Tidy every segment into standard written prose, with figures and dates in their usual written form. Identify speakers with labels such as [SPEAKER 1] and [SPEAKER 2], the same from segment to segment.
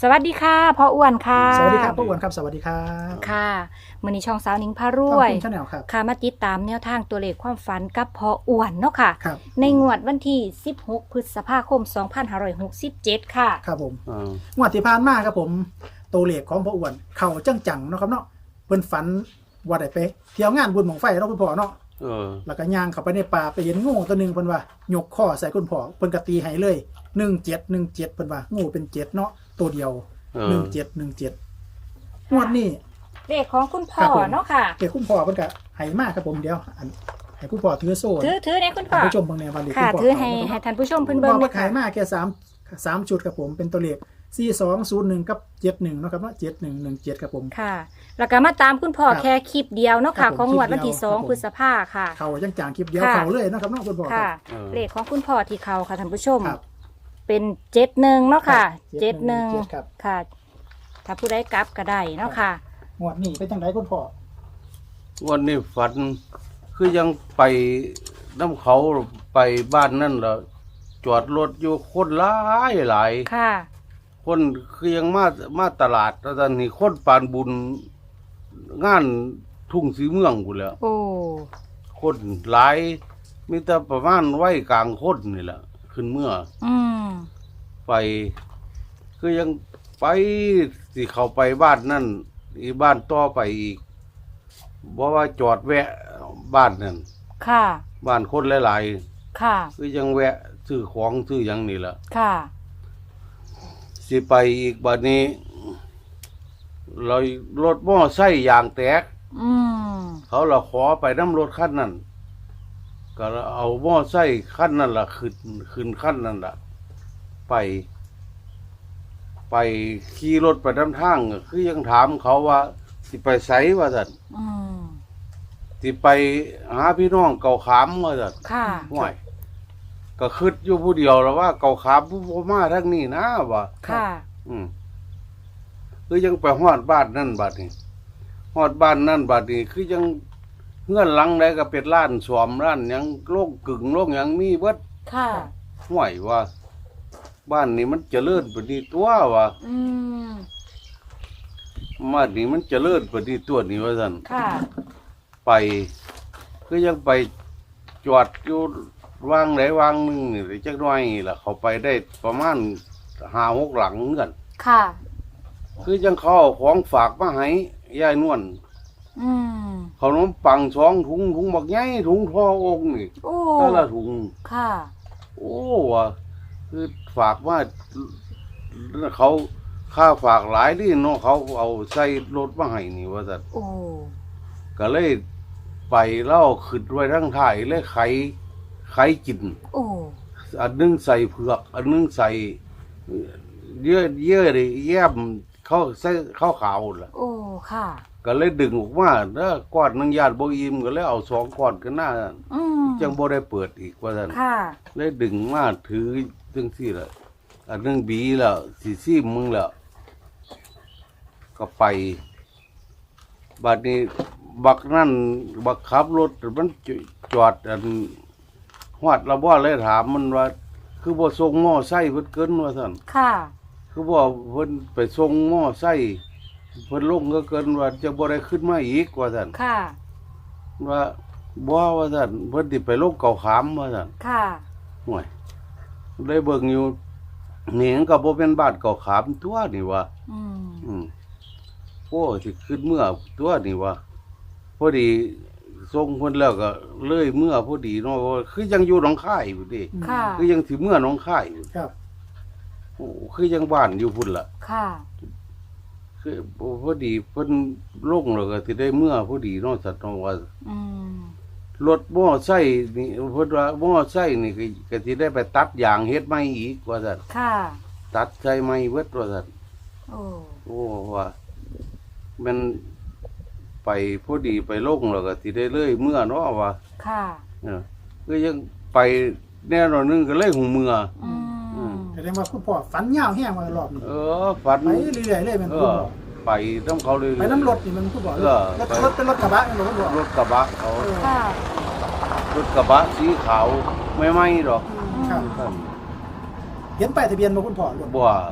[SPEAKER 1] สวัสดีค่ะพ่ออ้วนค่ะ
[SPEAKER 2] สวัสดีครับพ่ออ้วนครับสวัสดีครับ
[SPEAKER 1] ค่ะมื้อนี้ช่องสาวหนิงพารวย
[SPEAKER 2] ช่องแนวครับ
[SPEAKER 1] ค่ะมาติดตามแนวทางตัวเลขความฝันกับพ่ออ้วนเนาะค่ะ
[SPEAKER 2] ครับ
[SPEAKER 1] ในงวดวันที่16พฤษภาคม2567ค่ะ
[SPEAKER 2] ครับผมงวดที่ผ่านมาครับผมตัวเลขของพ่ออ้วนเข่าจังๆเนาะครับเนาะเพิ่นฝันว่าได้ไปเที่ยวงานบุญหม่องไฟเนาะคุณพ่อเนาะแล้วก็ย่างเข้าไปในป่าไปเห็นงูตัวนึงเพิ่นว่ายกข้อใส่คุณพ่อเพิ่นก็ตีให้เลย17เพิ่นว่างูเป็น7เนาะตัวเดียว17งวดนี้
[SPEAKER 1] เลขของคุณพ่อเนาะค่ะ
[SPEAKER 2] เลขคุณพ่อเพิ่นก็ให้มาครับผมเดี๋ยวให้คุณพ่อถือโซ่
[SPEAKER 1] ถือเนี่ยคุณพ่อ
[SPEAKER 2] ผู้ชมเบิ่งแนววันนี้
[SPEAKER 1] ค่ะถือให้ท่านผู้ชมเพิ่นเบิ่ง
[SPEAKER 2] ว่าขายมาแค่3ชุดครับผมเป็นตัวเลข4201กับ71เนาะครับเนาะ7117ครับผม
[SPEAKER 1] ค่ะแล้วก็มาตามคุณพ่อแค่คลิปเดียวเนาะค่ะของงวดวันที่2พฤษภาค่ะ
[SPEAKER 2] เขาจังๆคลิปเดียวเขาเลยเนาะครับเนาะคุณพ่อ
[SPEAKER 1] ค่ะเลขของคุณพ่อที่เขาค่ะท่านผู้ชมเป็น71เนาะค่ะ71ค่ะถ้าผู้ใดกลับก็ได้เนาะค่ะ
[SPEAKER 2] งวดนี้เป็นจังไดคุณพ่อ
[SPEAKER 3] วันนี้ฝันคือยังไปน้ำเขาไปบ้านนั่นเหรอจอดรถอยู่คนหลาย
[SPEAKER 1] ค่ะ
[SPEAKER 3] คนคือยังมาตลาดแล้วตอนนี้คนปานบุญงานทุ่งสีเมืองกูแล้ว
[SPEAKER 1] โอ้
[SPEAKER 3] คนหลายมีแต่ประมาณไว้กลางคนนี่แหละขึ้นเมื่อไปคือยังไปสิเขาไปบ้านนั่นอีบ้านต่อไปอีกเพราะว่าจอดแวะบ้านนั่น
[SPEAKER 1] ค่ะ
[SPEAKER 3] บ้านคนหลาย
[SPEAKER 1] ๆค่ะ
[SPEAKER 3] คือยังแวะซื้อของซื้ออย่างนี้แหละ
[SPEAKER 1] ค่ะ
[SPEAKER 3] สิไปอีกบัดนี้เรารถมอไซค์ยางแตกเขาเราขอไปน้ำรถขั้นนั้นก็เอามอไซค์ขั้นนั้นล่ะขึ้นขั้นนั้นล่ะไปขี่รถไปน้ำทางคือยังถามเขาว่าสิไปไสว่าสันสิไปหาพี่น้องเก่าขามว่าสันห่วยก็คิดอยู่ผู้เดียวแล้วว่าเก่าขามผู้พ่อมาทั้งนี้นะว่า
[SPEAKER 1] ค่ะ
[SPEAKER 3] คือยังไปฮอดบ้านนั่นบัดนี้ฮอดบ้านนั่นบัดนี้คือยังเงื่อนหลังใดก็เป็นร้านสวมร้านยังโล่งกึ่งโล่งยังมีเบิด
[SPEAKER 1] ค่ะ
[SPEAKER 3] ห่วยว่าบ้านนี้มันเจริญปฏิตัวว่าบ้านนี้มันเจริญปฏิตัวนี่ว่าซั่น
[SPEAKER 1] ค่ะ
[SPEAKER 3] ไปคือยังไปจอดอยู่วางไหนวางนึงนี่จักหน่อยล่ะเขาไปได้ประมาณ5-6หลังเหมือนกัน
[SPEAKER 1] ค่ะ
[SPEAKER 3] คือยังเขาเอาของฝากมาให้ยายนวลขนมปัง2ถุงบักใหญ่ถุงทอองค์นี่แต่ละถุง
[SPEAKER 1] ค่ะ
[SPEAKER 3] โอ้ว่ะคือฝากมาเขาค่าฝากหลายดิเนาะเขาเอาใส่รถมาให้นี่ว่าซั่นก็เลยไปเล่าขึ้นไว้ทั้งท้ายเลยไข่กินอันนึงใส่เผือกอันนึงใส่เยอะดิแย้มเขาใส่ข้าวขาวล่ะ
[SPEAKER 1] ค่ะ
[SPEAKER 3] ก็เลยดึงออกมาแล้วก้อนนึงญาติบ่อิ่มก็เลยเอา2ก้อนกันหน้าจังบ่ได้เปิดอีกว่าซั่นเลยดึงมาถือจังซี่ล่ะอันนึงบีแล้วสิซีมึงแล้วก็ไปบัดนี้บักนั่นบักขับรถมันจอดอันฮอดละบ่เลยถามมันว่าคือบ่ส่งมอไซค์เพิ่นเกินว่าซั่น
[SPEAKER 1] ค่ะ
[SPEAKER 3] คือบ่เพิ่นไปส่งมอไซค์เพิ่นลงก็เกินว่าจะบ่ได้ขึ้นมาอีกว่าซั่น
[SPEAKER 1] ค่ะ
[SPEAKER 3] ว่าบ่ว่าซั่นเพิ่นสิไปลงเก่าขามว่าซั่น
[SPEAKER 1] ค่ะ
[SPEAKER 3] ห่วยได้เบิ่งอยู่นี่มันก็บ่เป็นบ้านเก่าขามตัวนี่ว่าโอ้สิขึ้นเมื่อตัวนี่ว่าพอดีส่งเพิ่นแล้วก็เลยเมื่อพอดีเนาะคือยังอยู่หนองคายอยู่ดิคือยังสิเมื่อหนองคายอยู่
[SPEAKER 2] ครับ
[SPEAKER 3] โอ้คือยังบ้านอยู่พุ่นล่ะ
[SPEAKER 1] ค่ะ
[SPEAKER 3] คือพอดีเพิ่นลงแล้วก็สิได้เมื่อพอดีเนาะสัตว์ว่ารถมอไซค์นี่เพิ่นว่ามอไซค์นี่ก็สิได้ไปตัดยางเฮ็ดใหม่อีกว่าซั่น
[SPEAKER 1] ค่ะ
[SPEAKER 3] ตัดใช้ใหม่เบิดว่าซั่นโอ้ว่ามันไปพอดีไปลงแล้วก็สิได้เลยเมื่อเนาะว่า
[SPEAKER 1] ค่ะ
[SPEAKER 2] ก็
[SPEAKER 3] ยังไปแน่นอนนึงก็เลยหูเมื่อ
[SPEAKER 2] แสดงว่าคุณพ่อฝันยาวแห้งมารอบนี้
[SPEAKER 3] ฝัน
[SPEAKER 2] ไปเรื่อยๆเลยมันคุณพ่อ
[SPEAKER 3] ไปน้ำเขาเลย
[SPEAKER 2] ไปน้ำรถนี่มันคุณพ่อรถเป็นรถกระบะนี่คุณพ่อ
[SPEAKER 3] รถกระบะเขารถกระบะสีขาวไม่ไหม้หรอก
[SPEAKER 2] เห็นป้ายทะเบียนมาคุณพ่อ
[SPEAKER 3] บัว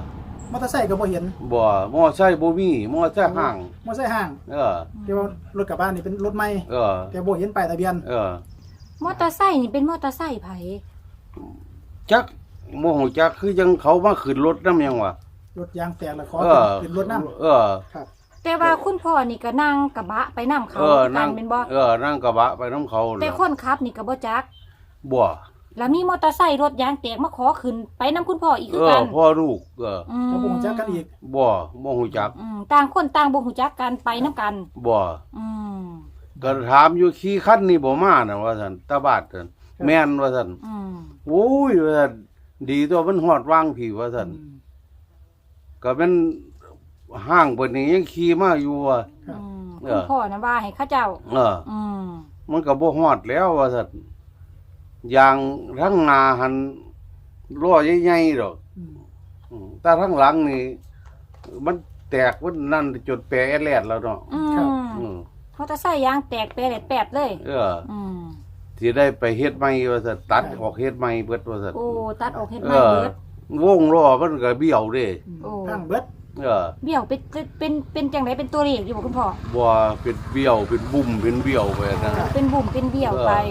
[SPEAKER 2] มอเตอร์ไซค์ก็บ่เห็น
[SPEAKER 3] บ่มอไซค์บ่มีมอไซค์ห้าง
[SPEAKER 2] มอเตอร์ไซค์ห้าง แต่ว่ารถกลับบ้านนี่เป็นรถใหม่แต่บ่เห็นป้ายทะเบียน
[SPEAKER 1] มอเตอร์ไซค์นี่เป็นมอเตอร์ไซค์ไผ
[SPEAKER 3] จักบ่ฮู้จักคือยังเขามาขึ้นรถนำยังวะ
[SPEAKER 2] รถยางแตกแล้วขอเป็นรถนำ
[SPEAKER 1] ครับแต่ว่าคุณพ่อนี่ก็นั่งกระบะไปนำเขากันเป็นบ่
[SPEAKER 3] นั่งกระบะไปนำเขา
[SPEAKER 1] แต่คนขับนี่ก็บ่จัก
[SPEAKER 3] บ่
[SPEAKER 1] แล้วมีมอเตอร์ไซค์รถยางแตกมาขอขึ้นไปนำคุณพ่ออีกคือกัน
[SPEAKER 3] พ่อลูก
[SPEAKER 2] ก็บ่ฮู้จักกันอีก
[SPEAKER 3] บ่ฮู้จัก
[SPEAKER 1] ต่างคนต่างบ่ฮู้จักกันไปนำกัน
[SPEAKER 3] บ่ก็ถามอยู่ขี่คันนี่บ่มาน่ะว่าซั่นตาบาดซั่นแม่นว่าซั่นโอ้ยว่าซั่นดีตัวมันฮอดวางพี่ว่าซั่นก็เป็นห้างเพิ่นนี่ยังขี่มาอยู่ว่า
[SPEAKER 1] คุณพ่อน่ะว่าให้เขาเจ้า
[SPEAKER 3] มันก็บ่ฮอดแล้วว่าซั่นอย่างทั้งหน้าหันล้อใหญ่ๆดอกแต่ทั้งหลังนี่มันแตกมันนั่นจนแปรแลดแล้วเนาะ
[SPEAKER 1] มอเตอร์ไซค์ยางแตกแปรแปดเลย
[SPEAKER 3] สิได้ไปเฮ็ดใหม่ว่าซั่นตัดออกเฮ็ดใหม่เบิดว่าซั่น
[SPEAKER 1] โอ้ตัดออกเฮ็ดใหม่เบิด
[SPEAKER 3] วงล้อมันก็เบี้ยวเด้
[SPEAKER 2] พังเบิด
[SPEAKER 1] เบี้ยวเป็นจังได๋เป็นตัวเลขอยู่บ่คุณพ่อ
[SPEAKER 3] บ่เป็นเบี้ยวเป็นบุ่มเป็นเบี้ยวไปนะ
[SPEAKER 1] เป็นบุ่มเป็นเบี้ยวไป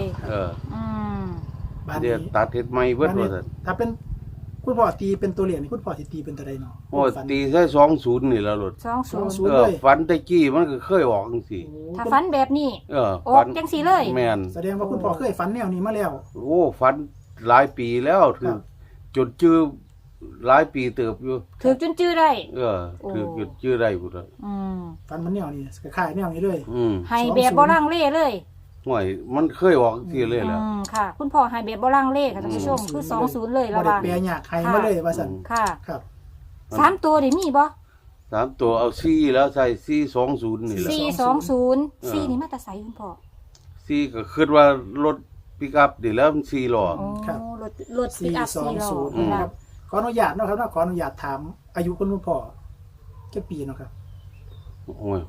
[SPEAKER 3] เดี๋ยวตัดเฮ็ดใหม่เบิดว่าซั่น
[SPEAKER 2] ถ้าเป็นคุณพ่อตีเป็นตัวเลขนี่คุณพ่อสิตีเป็นตัวใดเนาะ
[SPEAKER 3] โอ้ตีใส่20นี่แล้วรถ
[SPEAKER 2] 20เลย
[SPEAKER 3] ฝันตะกี้มันก็เคยออกจังซี่
[SPEAKER 1] ถ้าฝันแบบนี้ออกจังซี่เลย
[SPEAKER 3] แม่น
[SPEAKER 2] แสดงว่าคุณพ่อเคยฝันแนวนี้มาแล้ว
[SPEAKER 3] โอ้ฝันหลายปีแล้วถึงจนจื้อหลายปีเติบอยู่
[SPEAKER 1] ถึงจนจื้อได้
[SPEAKER 3] ถึงจนจื้อได้พุ่น
[SPEAKER 2] ฝันมันแนวนี้คล้ายๆแนวนี้เลย
[SPEAKER 1] ให้แบบบ่ลังเลเลย
[SPEAKER 3] ห่วยมันเคยออกทีเลยแล้ว
[SPEAKER 1] ค่ะคุณพ่อให้แบบบ่ลังเลค่ะท่านผู้ชมคือ20เลยแล้ว
[SPEAKER 2] ว่าบ่ได้แปลยากให้มาเลยว่าซั่น
[SPEAKER 1] ค่ะครับ3ตัวได้มีบ่
[SPEAKER 3] 3ตัวเอา4แล้วใส่420นี่แหละ
[SPEAKER 1] 420 4นี่มาแต่ไสคุณพ่อ
[SPEAKER 3] 4ก็คิดว่ารถปิกอัพนี่แล้วมัน4ล้อ
[SPEAKER 2] ครับ
[SPEAKER 1] รถปิกอัพ4ล้อ
[SPEAKER 2] ครับขออนุญาตเนาะครับขออนุญาตถามอายุคุณพ่อกี่ปีเนาะครับ
[SPEAKER 3] โอ้ย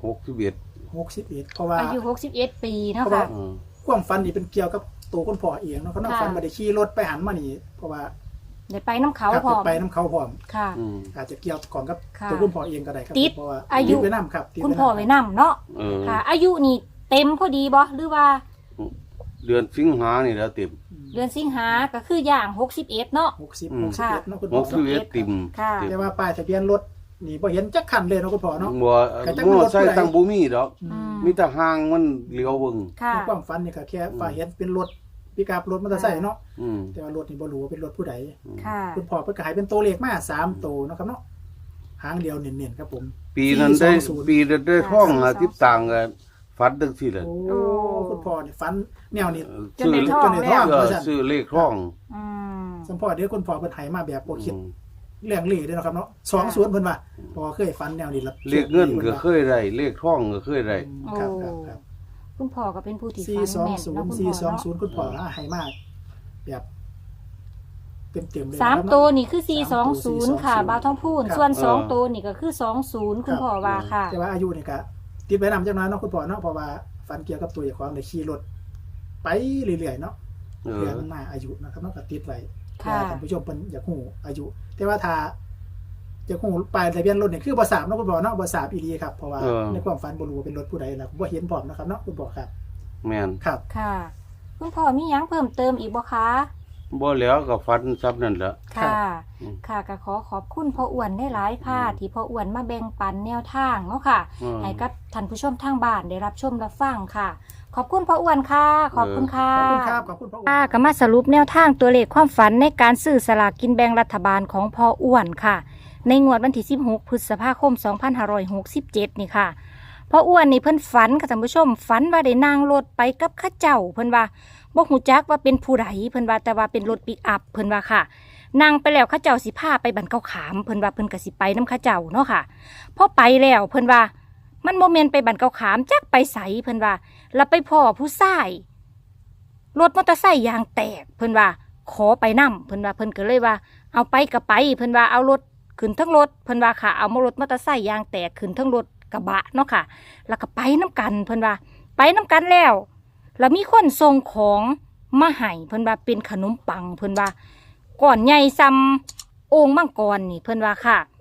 [SPEAKER 3] 61
[SPEAKER 2] เพราะว่า
[SPEAKER 1] อายุ61ปีเนาะค่ะ
[SPEAKER 2] ความฝันนี่เป็นเกี่ยวกับตัวคุณพ่อเองเนาะเขาฝันบ่ได้ขี่รถไปหันมานี่เพราะว่า
[SPEAKER 1] ได้ไปน้ำเขาพร้อม
[SPEAKER 2] ไปน้ำเขาพร้อม
[SPEAKER 1] ค่ะ
[SPEAKER 2] อาจจะเกี่ยวข้องกับตัวคุณพ่อเองก็ได้ครับ
[SPEAKER 1] เพราะว่าอายุ
[SPEAKER 2] ไว้นำครับ
[SPEAKER 1] คุณพ่อไว้นำเนาะค่ะอายุนี่เต็มพอดีบ่หรือว่า
[SPEAKER 3] เดือนสิงหานี่แล้วเต็ม
[SPEAKER 1] เดือนสิงหาก็คืออย่าง61เนาะ
[SPEAKER 2] 61เนาะคุณพ่อ
[SPEAKER 3] 61ติ่ม
[SPEAKER 2] แต่ว่าป้ายทะเบียนรถนี่บ่เห็นจักคันเลยเนาะคุณพ่อเนาะ
[SPEAKER 3] บ่ใช่ตั้งบ่มีดอกมีแต่ห่างมันเลี้ยวเบิ่ง
[SPEAKER 2] ในความฝันนี่ก็แค่ว่าเห็นเป็นรถปิกอัพรถมอเตอร์ไซค์เนาะแต่ว่ารถนี่บ่รู้ว่าเป็นรถผู้ใดคุณพ่อเพิ่นก็ให้เป็นตัวเลขมา3ตัวเนาะครับเนาะหางเดียวเน้นๆครับผม
[SPEAKER 3] ปีนั้นได้ท่อง10ตังค์ก็ฝันจังซี่แหละ
[SPEAKER 2] โอ้คุณพ่อนี่ฝันแนวนี้
[SPEAKER 1] จนได้ท่อง
[SPEAKER 3] ซื้อเลขท่อง
[SPEAKER 2] สมพ่อเดี๋ยวคุณพ่อเพิ่นให้มาแบบบ่คิดเรื่องเลขเด้อเนาะครับเนาะ20เพิ่นว่าพอเคยฝันแนวนี้แล้ว
[SPEAKER 3] เลขเงินก็เคยได้เลขท่องก็เคยได้
[SPEAKER 2] ครับ
[SPEAKER 1] คุณพ่อก็เป็นผู้ที่ฝันแม่นเนาะคุณพ่อ
[SPEAKER 2] 420คุณพ่อให้มาแบบเต็มๆเลย
[SPEAKER 1] 3ตัวนี่คือ420ค่ะบ่าวทองพูนส่วน2ตัวนี่ก็คือ20คุณพ่อว่าค่ะ
[SPEAKER 2] แต่ว่าอายุนี่ก็ติดไว้นำจังน้อยเนาะคุณพ่อเนาะเพราะว่าฝันเกี่ยวกับตัวเจ้าของได้ขี่รถไปเรื่อยๆเนาะเรื่องมันมาอายุนะครับเนาะก็ติดไว้ท่านผู้ชมเพิ่นอยากฮู้อายุแต่ว่าถ้าจะฮู้ป้ายทะเบียนรถนี่คือบ่ทราบเนาะคุณพ่อเนาะบ่ทราบอีหลีครับเพราะว่าในความฝันบ่รู้ว่าเป็นรถผู้ใดแล้วบ่เห็นพร้อมนะครับเนาะคุณพ่อครับ
[SPEAKER 3] แม่น
[SPEAKER 2] ครับ
[SPEAKER 1] ค่ะคุณพ่อมีหยังเพิ่มเติมอีกบ่คะ
[SPEAKER 3] บ่แล้วก็ฝันซับนั่นแหละ
[SPEAKER 1] ค่ะก็ขอบคุณพ่ออ้วนได้หลายค่ะที่พ่ออ้วนมาแบ่งปันแนวทางเนาะค่ะให้กับท่านผู้ชมทางบ้านได้รับชมรับฟังค่ะขอบคุณพ่ออ้วนค่ะขอบคุณค่ะ
[SPEAKER 2] ขอบคุณครับขอบคุณพ่ออ้วน
[SPEAKER 1] ก็มาสรุปแนวทางตัวเลขความฝันในการซื้อสลากกินแบ่งรัฐบาลของพ่ออ้วนค่ะในงวดวันที่16พฤษภาคม2567นี่ค่ะพ่ออ้วนนี่เพิ่นฝันค่ะท่านผู้ชมฝันว่าได้นั่งรถไปกับข้าเจ้าเพิ่นว่าบ่ฮู้จักว่าเป็นผู้ใดเพิ่นว่าแต่ว่าเป็นรถปิกอัพเพิ่นว่าค่ะนั่งไปแล้วข้าเจ้าสิพาไปบันเกาขามเพิ่นว่าเพิ่นก็สิไปนำข้าเจ้าเนาะค่ะพอไปแล้วเพิ่นว่ามันบ่แม่นไปบันเกาขามจักไปไสเพิ่นว่าแล้วไปพ่อผู้ชายรถมอเตอร์ไซค์ยางแตกเพิ่นว่าขอไปนำเพิ่นว่าเพิ่นก็เลยว่าเอาไปก็ไปเพิ่นว่าเอารถขึ้นทั้งรถเพิ่นว่าค่ะเอารถมอเตอร์ไซค์ยางแตกขึ้นทั้งรถกระบะเนาะค่ะแล้วก็ไปนำกันเพิ่นว่าไปนำกันแล้วมีคนส่งของมาให้เพิ่นว่าเป็นขนมปังเพิ่นว่าก่อนใหญ่ซ้ำโอ่งมังกรนี่เพิ่นว่าค่ะ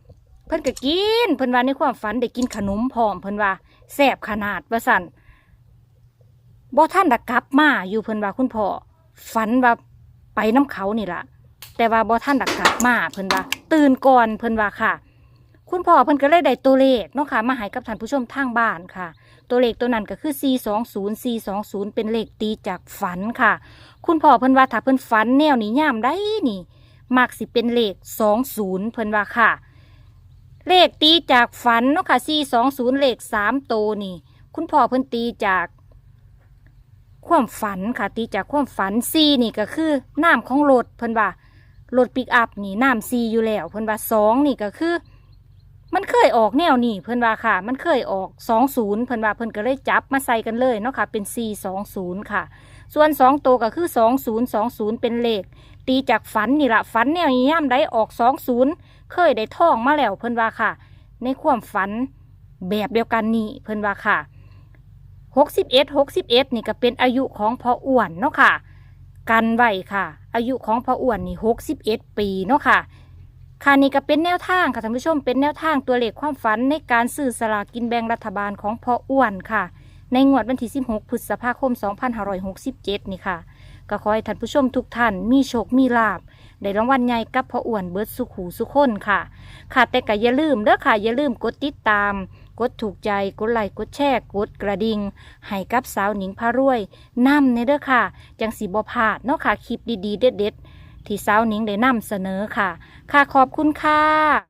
[SPEAKER 1] เพิ่นก็กินเพิ่นว่าในความฝันได้กินขนมพร้อมเพิ่นว่าแซ่บขนาดว่าสั่นบ่ท่านได้กลับมาอยู่เพิ่นว่าคุณพ่อฝันว่าไปน้ำเขานี่ล่ะแต่ว่าบ่ท่านได้กลับมาเพิ่นว่าตื่นก่อนเพิ่นว่าค่ะคุณพ่อเพิ่นก็เลยได้ตัวเลขเนาะค่ะมาให้กับท่านผู้ชมทางบ้านค่ะตัวเลขตัวนั้นก็คือ420เป็นเลขตีจากฝันค่ะคุณพ่อเพิ่นว่าถ้าเพิ่นฝันแนวนี้ยามได้นี่มักสิเป็นเลข20เพิ่นว่าค่ะเลขตีจากฝันเนาะค่ะ420เลข3ตัวนี่คุณพ่อเพิ่นตีจากความฝันค่ะตีจากความฝัน4นี่ก็คือน้ำของรถเพิ่นว่ารถปิกอัพนี่น้ำ4อยู่แล้วเพิ่นว่า2นี่ก็คือมันเคยออกแนวนี่เพิ่นว่าค่ะมันเคยออก20เพิ่นว่าเพิ่นก็เลยจับมาใส่กันเลยเนาะค่ะเป็น420ค่ะส่วน2ตัวก็คือ20เป็นเลขตีจากฝันนี่ล่ะฝันแนวนี้ย่ำได้ออก20เคยได้ท่องมาแล้วเพิ่นว่าค่ะในความฝันแบบเดียวกันนี่เพิ่นว่าค่ะ61นี่ก็เป็นอายุของพ่ออ้วนเนาะค่ะกันไว้ค่ะอายุของพ่ออ้วนนี่61ปีเนาะค่ะค่ะนี่ก็เป็นแนวทางค่ะท่านผู้ชมเป็นแนวทางตัวเลขความฝันในการซื้อสลากกินแบ่งรัฐบาลของพ่ออ้วนค่ะในงวดวันที่16พฤษภาคม2567นี่ค่ะก็ขอให้ท่านผู้ชมทุกท่านมีโชคมีลาภได้รางวัลใหญ่กับพ่ออ้วนเบิดสุขหูสุขคนค่ะค่ะแต่ก็อย่าลืมเด้อค่ะอย่าลืมกดติดตามกดถูกใจกดไลค์กดแชร์กดกระดิ่งให้กับสาวหนิงพารวยนำในเด้อค่ะจังสิบ่พลาดเนาะค่ะคลิปดีๆเด็ดๆที่สาวหนิงได้นำเสนอค่ะค่ะขอบคุณค่ะ